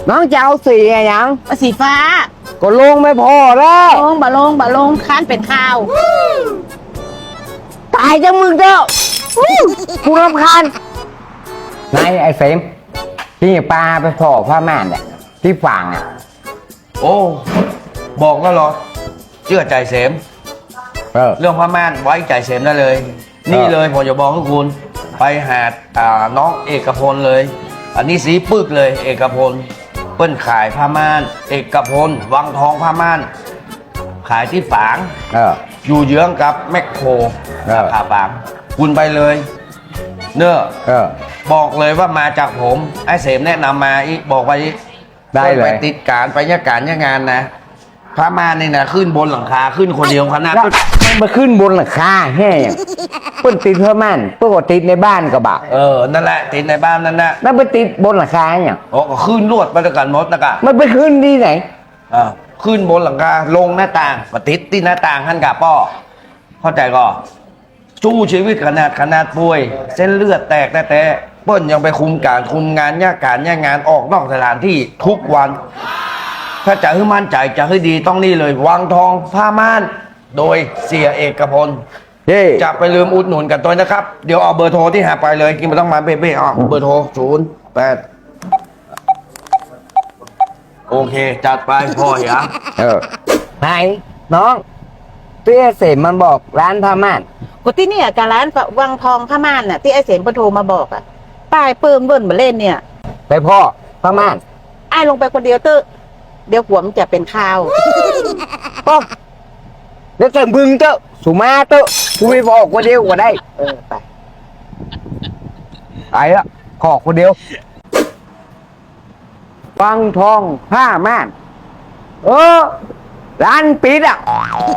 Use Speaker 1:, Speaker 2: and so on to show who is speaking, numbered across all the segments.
Speaker 1: น้องจะเอาสีอะไรยัง
Speaker 2: สีฟ้า
Speaker 1: ก็ลงไม่พอแล้ว
Speaker 2: ลงบะลงค้านเป็นข้าว
Speaker 1: ตายจังมึงเจ้ากูรำคาญนายไอ้เฟมที่ปลาไปพอผ้าม่านเนี่ยที่ฝั่งอ่ะ
Speaker 3: โอ้บอกแล้วเหรอเชื่อใจเสมเรื่องพม่านไว้ใจเสมได้เลย นี่เลยผมจะบอกให้คุณไปหาน้องเอกพลเลย อันนี้สีปึกเลยเอกพลเปิ้นขายผ้าม่านเอกพลวังทองผ้าม่านขายที่ฝางอยู่เยื้องกับแมคโครสาขาฝางคุณไปเลยเนอะบอกเลยว่ามาจากผมไอ้เสมแนะนำมาอีกบอกไปอีกได้เลยไปติดการไปยการงานนะพระมาเนี่ยนะขึ้นบนหลังคาขึ้นคนเดียวขนาด
Speaker 1: มันมาขึ้นบนหลังคาแห่เปิ้นติดผ้าม่านเปิ้นก็ติดในบ้านกระบะ
Speaker 3: นั่นแหละติดในบ้านนั่นนะ
Speaker 1: แล้วไปติดบนหลังคาอย่าง
Speaker 3: โอ้ก็ขึ้นลวดไปด้วยกันมดนะกะ
Speaker 1: มันไปขึ้นที่ไหน
Speaker 3: ขึ้นบนหลังคาลงหน้าต่างก็ติดที่หน้าต่างท่านกะป้อเข้าใจก่อสู้ชีวิตขนาดป่วยเส้นเลือดแตกแต่เปิ้ลยังไปคุมงานย่างานออกนอกสถานที่ทุกวันถ้าจะให้มั่นใจจะให้ดีต้องนี่เลยวังทองผ้าม่านโดยเสียเอกพลจะไปลืมอุดหนุนกันตัวนะครับเดี๋ยวเอาเบอร์โทรที่หาไปเลยกินไม่ต้องมาเบ้เบอร์โทร08โอเคจัดไปพ่อเหรอ
Speaker 1: ไหนน้องเตี้ยเสมมันบอกร้านผ้าม่าน
Speaker 2: กูที่เนี่ยการร้านวังทองผ้าม่านน่ะที่ไอ้เสมปโทรมาบอกอ่ะป้ายเปิ่มเบิ่นมาเล่นเนี่ย
Speaker 1: ไปพ่อผ้าม่าน
Speaker 2: ไอ้ลงไปคนเดียวเดี๋ยวหัวมันจะเป็นข้าว
Speaker 1: ป้อเดี๋ยวเสมบึงเจ้าสุมาเจ้ากูไม่บอกคนเดียวก็ได้ไปละขอคนเดียววังทองผ้าม่านร้านปิดอ่ะ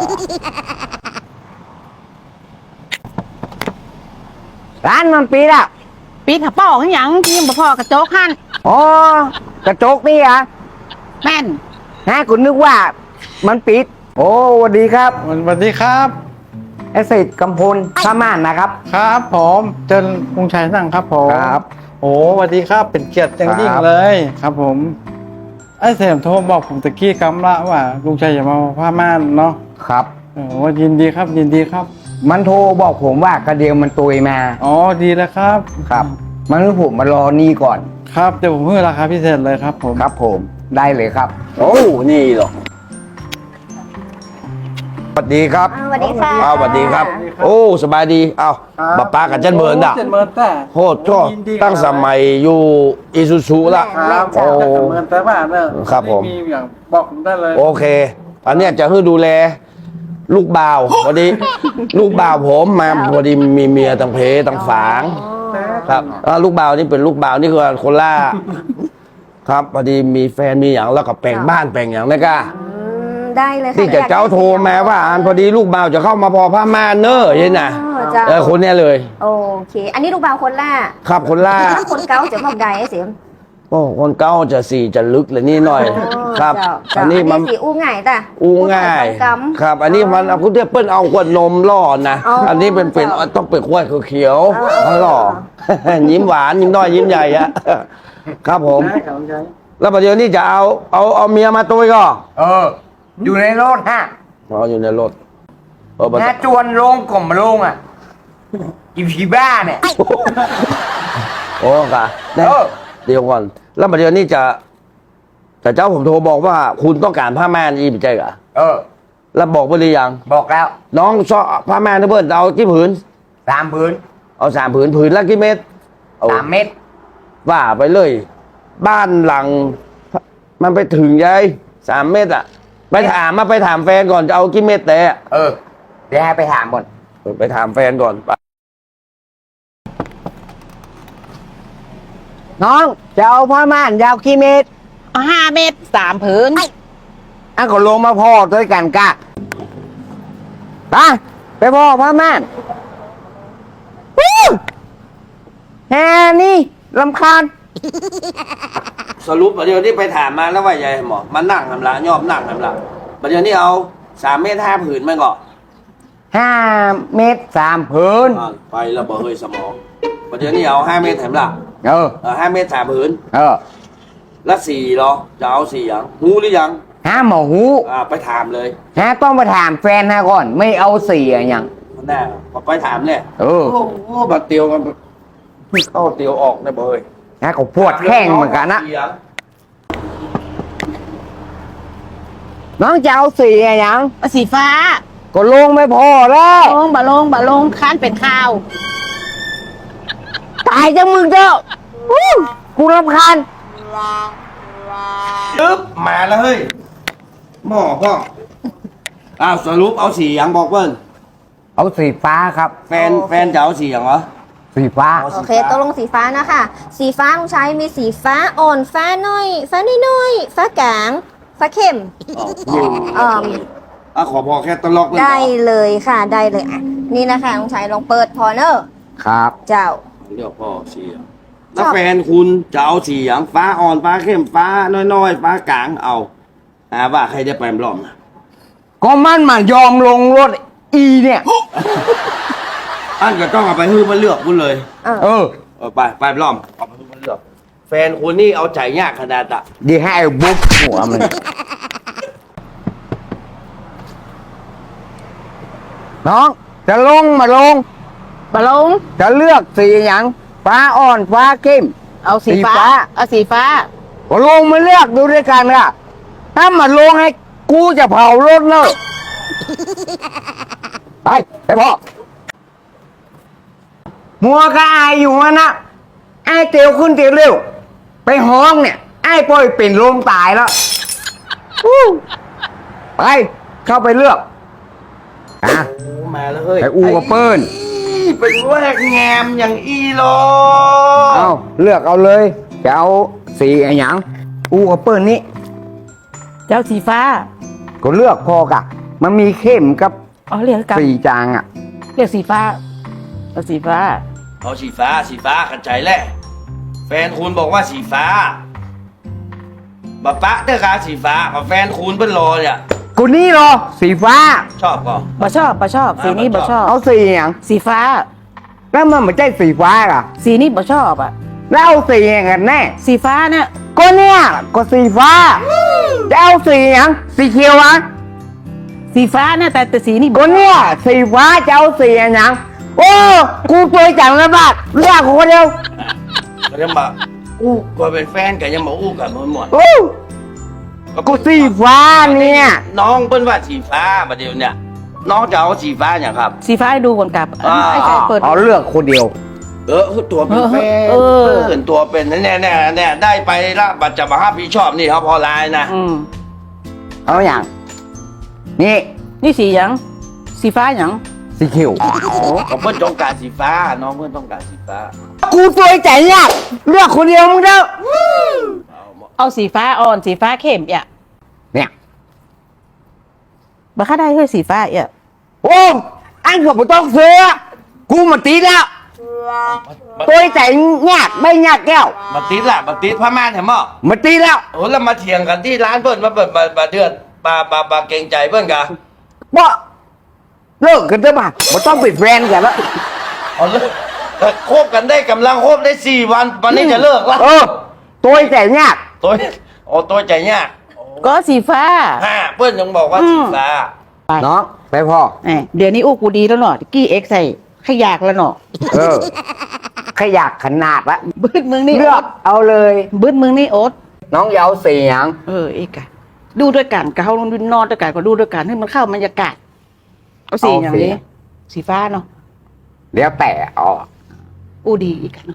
Speaker 1: ร้านมันปิดอ่ะ
Speaker 2: ปิดหับป้อขยังที่ยังบ่พอกระโจกหัน
Speaker 1: อ๋อกระจกนี่อ่ะ
Speaker 2: แม่น
Speaker 1: ฮะคุณนึกว่ามันปิดโอ้สวัสดีครับ
Speaker 4: สวัสดีครับ
Speaker 1: เอสเซทกำพลผ้าม่านนะครับ
Speaker 4: ครับผมเจนกรุงชัยนั่งครับผม
Speaker 1: ครับ
Speaker 4: โอ้สวัสดีครับเป็นเกียรติอย่างยิ่งเลยครับผมไอ้เสมโทรบอกผมตะกี้กำละว่าลุงชัยจะมาผ้าม่านเนาะ
Speaker 1: ครับ
Speaker 4: ว่ายินดีครับยินดีครับ
Speaker 1: มันโทรบอกผมว่ากระเดียวมันตุยมา
Speaker 4: อ๋อดีแล้วครับ
Speaker 1: ครับมันให้ผมมารอนี่ก่อน
Speaker 4: ครับเดี๋ยวผมเพิ่มราคาพิเศษเลยครับผม
Speaker 1: ครับผมได้เลยครับ
Speaker 3: โอ้นี่หรอสวัสดีครับ
Speaker 2: สวัสดีค่ะ
Speaker 3: สวัสดีครับโอ้สบายดีป้าป้ากับเจนเบิร์นอ่ะโหดก็ตั้งสมัยอยู่อิซูซูละ
Speaker 4: โอ้เบิร์นแต่ว่าเนี่ย
Speaker 3: ครับผม
Speaker 4: มีอย่างบอกผมได้เลย
Speaker 3: โอเคอันนี้จะให้ดูแลลูกบ่าวพอดีลูกบ่าวผมมาพอดีมีเมียตั้งเพตั้งฝางครับลูกบ่าวนี่เป็นลูกบ่าวนี่คือคนล่าครับพอดีมีแฟนมีอย่างแล้วก็แปลงบ้านแปลงอย่างนี้ก็
Speaker 5: ได้เลยค่ะ
Speaker 3: ที่จะเจ้าโทรมาว่าพอดีลูกบ่าวจะเข้ามาพอผ้าม่านเนอะยันน่ะคนนี้เลย
Speaker 5: โอเคอันนี้ลูกบ่าวคนล่า
Speaker 3: ครับคนล่า
Speaker 5: คนเก้าจะบอกใดไอ้เสียม
Speaker 3: โอ้คนเก้าจะสี่จะลึกเลยนี่หน่อยครับ
Speaker 5: อันนี้มันสีอู้ง่ายแต่
Speaker 3: อู้ง่ายครับอันนี้มันคุณเทียบเปิ้ลเอาขวดนมล่อนะอันนี้เป็นต้องเป็นขวดเขียวหล่อยิ้มหวานยิ้มน้อยยิ้มใหญ่อะครับผมแล้วประเดี๋ยวนี้จะเอาเมียมาตัวก็
Speaker 1: อยู่ในรถฮะ
Speaker 3: อยู่ในรถ
Speaker 1: น่าจวนลงกล่อมลงอ่ะกินผีบ้าเนี่ย
Speaker 3: โอ้กะเดี๋ยวก่อนแล้วประเดี๋ยวนี้แต่เจ้าผมโทรบอกว่าคุณต้องการผ้าม่านอีกใช่เหรอแล้วบอกไปหรือยัง
Speaker 1: บอกแล้ว
Speaker 3: น้องชอบผ้าม่านนะเพื่อนเอากี่ผืน
Speaker 1: 3 ผืน
Speaker 3: เอา3 ผืนผืนละกี่เม็ด
Speaker 1: 3 เม็ด
Speaker 3: ว่าไปเลยบ้านหลังมันไปถึงยัย3 เม็ดอ่ะไปถามแฟนก่อนจะเอากี่เม็ดแต่
Speaker 1: เดี๋ยวให้ไปถามก่อน
Speaker 3: ไปถามแฟนก่อน
Speaker 1: น้องจะเอาผ้าม่านยาวกี่เมตร
Speaker 2: 5 เมตร 3 ผืน
Speaker 1: ก็ลงมาพ่อด้วยกันกะไปพ่อผ้าม่านแฮนี่รำคาญ
Speaker 3: สรุปประเดี๋ยวนี้ไปถามมาแล้วว่าใหญ่หมอมันนั่งทำละยอบนั่งทำละประเดี๋ยวนี้เอา3 เมตร 5 ผืนมันก็
Speaker 1: 5 เมตร 3 ผืน
Speaker 3: ไปแล้วบ่เฮ้ยสมองประเดี๋ยวนี้เอา5 เมตรแถมละ5 เมตร 3 ผืนแล้วสีเหรอจะเอาสีอย่างหูหรือยัง
Speaker 1: ฮะหมอหู
Speaker 3: ไปถามเลย
Speaker 1: ฮะต้องไปถามแฟนนะก่อน ไม่เอาเสียอย่าง
Speaker 3: แน่ไปถามเลย
Speaker 1: เออ
Speaker 3: โอ้โหบัดเตียวกันเข้าเตียวออกนะเบย
Speaker 1: ฮะก็ปวดแข้งเหมือนกันนะ
Speaker 3: สีหยัง
Speaker 1: น้องจะเอาเสียอย่าง
Speaker 2: สีฟ้า
Speaker 1: ก็ลงไม่พอแล้ว
Speaker 2: ลงบะลงค้านเป็นข้าว
Speaker 1: ตายจังมึงเจ้าอู้กูรำคาญ
Speaker 3: ปึ๊บมาแล้วเฮ้ยหม้อพ่อสรุปเอาสีอย่างบอกเปิ้ล
Speaker 1: เอาสีฟ้าครับ
Speaker 3: แฟนจะเอาสีอย่างเหรอ
Speaker 1: สีฟ้า
Speaker 5: โอเคตกลงสีฟ้านะคะ สีฟ้าลุงชัยมีสีฟ้าอ่อน ฟ้าน้อย ฟ้าน้อยๆฟ้ากลาง ฟ้าเข้ม
Speaker 3: ขอพอแค่ตลกเลย
Speaker 5: ได้เลยค่ะ ได้เลยอ่ะนี่นะคะลุงชัยลองเปิดพอเนอร์
Speaker 1: ครับ
Speaker 5: เจ้า
Speaker 3: เลือกพ่อสีอย่างแล้วแฟนคุณจะเอาสีอย่างฟ้าอ่อนฟ้าเข้มฟ้าน้อยๆฟ้ากลางเอาว่าใครจะไปรอบนะ
Speaker 1: ก็มันมายอมลงรถอีเนี่ย
Speaker 3: อันก็ต้องเอาไปฮื้อมาเลือกคุณเลย
Speaker 1: เออ
Speaker 3: ไปรอบเอาไปฮื้อมาเลือกแฟนคุณนี่เอาใจยากขนาดอะ
Speaker 1: ดีให้บุ๊กหัวมันน้องจะลงมาลง
Speaker 2: บะลง
Speaker 1: จะเลือกสีอย่างฟ้าอ่อนฟ้าเข้ม
Speaker 2: เอาสีฟ้า
Speaker 1: สีฟ้า
Speaker 2: เอาสีฟ้า
Speaker 1: ก็ลงมาเลือกดูด้วยกันค่ะถ้ามาลงให้กูจะเผารถเลยไปพ่อมัวก็อายอยู่วะนะไอ้เตียวขึ้นเตียวเร็ว ไปห้องเนี่ย ไอ้ปล่อยเป็นลมตายแล้วไป เข้าไปเลือกอ่ะ
Speaker 3: มาแล้วเฮ้ย
Speaker 1: ไปอูกับเปิ้ล
Speaker 3: เป็นแวกแงมอย่างอีโล
Speaker 1: เอาเลือกเอาเลย จะเอาสีอะไรอย่างอูกับเปิ้ลนี้
Speaker 2: เจ้าสีฟ้า
Speaker 1: ก็เลือกพอกะ มันมีเข้มกับ
Speaker 2: อ๋อเรียกกับ
Speaker 1: สีจางอ่ะ
Speaker 2: เรียกสีฟ้าเอาสีฟ้า
Speaker 3: เอาสีฟ้าขันใจแหละแฟนคุณบอกว่าสีฟ้าบัปะเตอร์กาสีฟ้าแฟนคุณเป็นรอเนี่ย
Speaker 1: กูนี่เหรอ สีฟ้า
Speaker 3: ชอบก่อน
Speaker 2: บ่ชอบสีนี้บ่ชอบ
Speaker 1: เอาสีอย่าง
Speaker 2: สีฟ้า
Speaker 1: แล้วมันไม่ใช่สีฟ้าอ่ะ
Speaker 2: สีนี้บ่ชอบอ่ะ
Speaker 1: แล้วเอาสีอย่างกันแน่
Speaker 2: สีฟ้าเนี่ย
Speaker 1: ก็เนี่ยก็สีฟ้าจะเอาสีอย่างสีเขียวอ่ะ
Speaker 2: สีฟ้าเนี่ยแต่สีนี้
Speaker 1: ก็เนี่ยสีฟ้าจะเอาสีอย่างโอ้กูตัวจังแล้วบ้าเลือกคนเดียว
Speaker 3: ก็ยังมาอู้ก็เป็นแฟนกันยังมาอู้กันหมด
Speaker 1: โอ้กูสีฟ้าเนี่ย
Speaker 3: น้องเปิ้นว่าสีฟ้าประเดี๋ยวเนี่ยน้องจะเอาสีฟ้าอย่างครับ
Speaker 2: สีฟ้าให้ดูก่อนกับ
Speaker 3: อ่า
Speaker 2: ไอ้ใจเปิด
Speaker 1: เอาเลือกคนเดียว
Speaker 3: ตัวเป็นแฟน
Speaker 2: เออ
Speaker 3: เนตัวเป็นแน่ได้ไปละบัตรจะมาห้าพี่ชอบนี่เขาพอลายนะ
Speaker 1: เอาอย่างนี่
Speaker 2: นี่สีหยังสีฟ้าหยัง
Speaker 1: สีเขียว
Speaker 3: ก็เพื่อนต้องการสีฟ้า น้องเพื่อนต้องการสีฟ้า
Speaker 1: กูตัวใจยากเลือกคนเดียวมึงเด้อ
Speaker 2: เอาสีฟ้าอ่อนสีฟ้าเข้มอ่ะ
Speaker 1: เนี่ย
Speaker 2: บ่ค่าได้เฮ้ยสีฟ้าอ่ะ
Speaker 1: โอ้อันก็ไม่ต้องซื้อกูมาตีแล้วตัวใจยากไม่ยากแก้ว
Speaker 3: บัตรติดละบัตรติดพม่านเห็นมั้ย
Speaker 1: มาตีแล้ว
Speaker 3: โอ้แล้วมาเถียงกันที่ร้านเพื่อนมาเปิดมาเดือดปาเกรงใจเพื่อนกัน
Speaker 1: บ่เลิกกันเถอะป่ะไม่ต้องเป็นแฟนกันแล้ว
Speaker 3: เอาเลยคบกันได้กำลังคบได้4 วันวันนี้จะเลิกละ
Speaker 1: ตัวใจยาก
Speaker 3: ตัวใจยาก
Speaker 2: ก็สีฟ้า
Speaker 3: เพื่อนยังบอกว่าสีฟ้า
Speaker 1: น้องไปพ่อ
Speaker 2: เดี๋ยวนี้อู้กูดีแล้วเนาะกี้เอ็กใส่ขยากแล้วเนาะ
Speaker 1: ขยากขนาดละ
Speaker 2: บึ้ดมึงนี่
Speaker 1: เลือกเอาเลย
Speaker 2: บึ้ดมึงนี่โอ๊ต
Speaker 1: น้องอยาเอาสีหยัง
Speaker 2: อีกอะดูด้วยกันกับเขานอนด้วยกันก็ดูด้วยกันให้มันเข้าบรรยากาศเอาสีอย่างนี้ สีฟ้าเนาะ
Speaker 1: เดี๋ยวแต่อ๋อ
Speaker 2: อู้ดีอีกอะเนาะ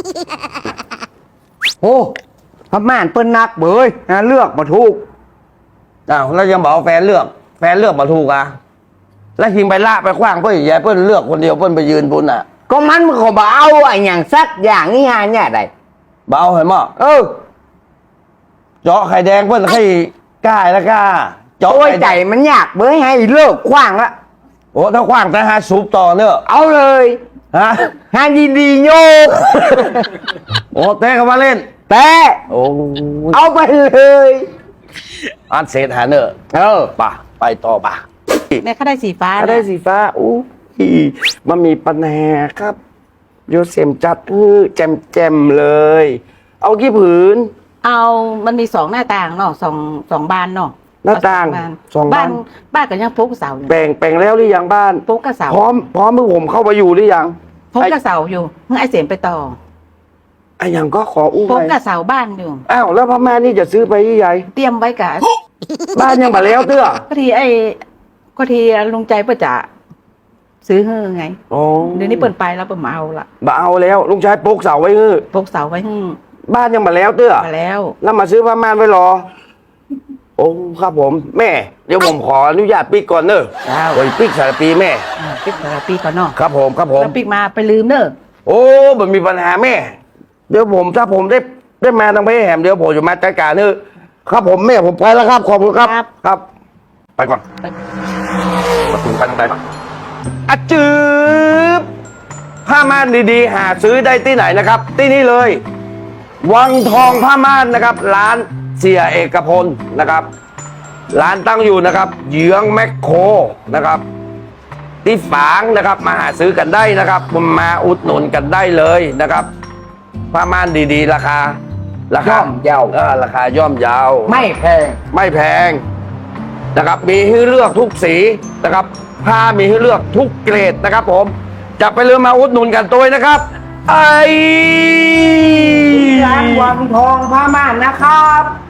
Speaker 1: โอ้พม่านเปิ้นนักเบยนะเลือกมาถูก
Speaker 3: แล้วยังบอกแฟนเลือกมาถูกอ่ะแล้วทิ้งไปละไปขว้างเพื่อนยายเพื่อนเลือกคนเดียวเพื่อนไปยืนบุญอ่ะ
Speaker 1: ก็มันก็บ่เอาไอ้อย่างสักอย่างนี่ฮะเนี่ยได้
Speaker 3: เบาเห็นมั้ยเจาะไข่แดงเพื่อนให้กล้าแล้วกล้าเจาะ
Speaker 1: โอ้ย
Speaker 3: ไข่
Speaker 1: ใจ
Speaker 3: แดง
Speaker 1: มันยากเบยให้เลิกขว้างละ
Speaker 3: โอ้ถ้าขว้างแต่หาซุปต่อเนอะ
Speaker 1: เอาเลย
Speaker 3: ฮะ
Speaker 1: ฮาดีๆโยก
Speaker 3: โอ้เต้เข้ามาเล่น
Speaker 1: แต่
Speaker 3: โอ้
Speaker 1: เอาไปเลย
Speaker 3: อันเศษหาเนอะป่ะไปต่อป่ะ
Speaker 2: แม่เขาได้สีฟ้า
Speaker 3: ถ้าได้สีฟ้าอู้มันมีปัญหาครับโยเซมจัดแจมเลย เอากี่ผืน
Speaker 2: เอามันมี2หน้าต่างเนาะสองบานเนาะ
Speaker 3: หน้าต่าง
Speaker 2: เอ
Speaker 3: สองบาน
Speaker 2: บ้านก็ยังพกเสาอยู่
Speaker 3: แบ่งแล้วหรือยังบ้าน
Speaker 2: พกกระเสา
Speaker 3: พร้อมมือผมเข้าไปอยู่หรือยัง
Speaker 2: พกกระเสาอยู่ให้ไอ้เสมไปต่อ
Speaker 3: ไอ้ยังก็ขออู้
Speaker 2: พก
Speaker 3: ไป
Speaker 2: กระเสาบ้านอยู่
Speaker 3: อ้าวแล้วพม่านี่จะซื้อไปที่ใหญ่
Speaker 2: เตรียมไว้กับ
Speaker 3: บ้านยังมาแล้วเตื้อ
Speaker 2: ก็ทีลุงใจเพื่อจะซื้อเฮ้อไง
Speaker 3: โอ้
Speaker 2: เดี๋ยวนี้เปิดไปแล้วเปิดมาเอาละ
Speaker 3: บ่เอาแล้วลุงชายปลูกเสาไว้ฮื้อ
Speaker 2: พกเสาไว้ให้
Speaker 3: บ้านยังมาแล้วเตื้อ
Speaker 2: มาแล้ว
Speaker 3: แล้วมาซื้อผ้าม่านไว้รอ โอ้ครับผม แม่ เดี๋ยวผมขออนุญาตปิกก่อนเนอะ
Speaker 2: เจ้า
Speaker 3: โอ้ยปิกสารปีแม่
Speaker 2: ปิกแต่ละปีก่อนเนาะ
Speaker 3: ครับผมครับผม
Speaker 2: แล้วปิกมาไปลืมเนอะ
Speaker 3: โอ้มันมีปัญหาแม่ เดี๋ยวผมถ้าผมได้มาทางเพแหมเดี๋ยวผมจะมาจัดการเนอะครับผมแม่ผมไปแล้วครับขอบคุณครับครับ ไปก่อนมาถึงกันไปปะอะจืบผ้าม่านดีๆ หาซื้อได้ที่ไหนนะครับ ที่นี่เลย วังทองผ้าม่านนะครับ ร้านเสียเอกพลนะครับ ร้านตั้งอยู่นะครับเยื้องแมคโครนะครับ ที่ฝางนะครับมาหาซื้อกันได้นะครับมาอุดหนุนกันได้เลยนะครับผ้าม่านดีๆ ราคา
Speaker 1: ย่อมเยา
Speaker 3: ราคาย่อมเยาว
Speaker 1: ไม่แพง
Speaker 3: ไม่แพงนะครับ มีให้เลือกทุกสีนะครับผ้ามีให้เลือกทุกเกรดนะครับ ผมจะไปเรือมาอุดหนุนกันตัวนะครับ ไอ้
Speaker 1: ร้านวังทองผ้าม่านนะครับ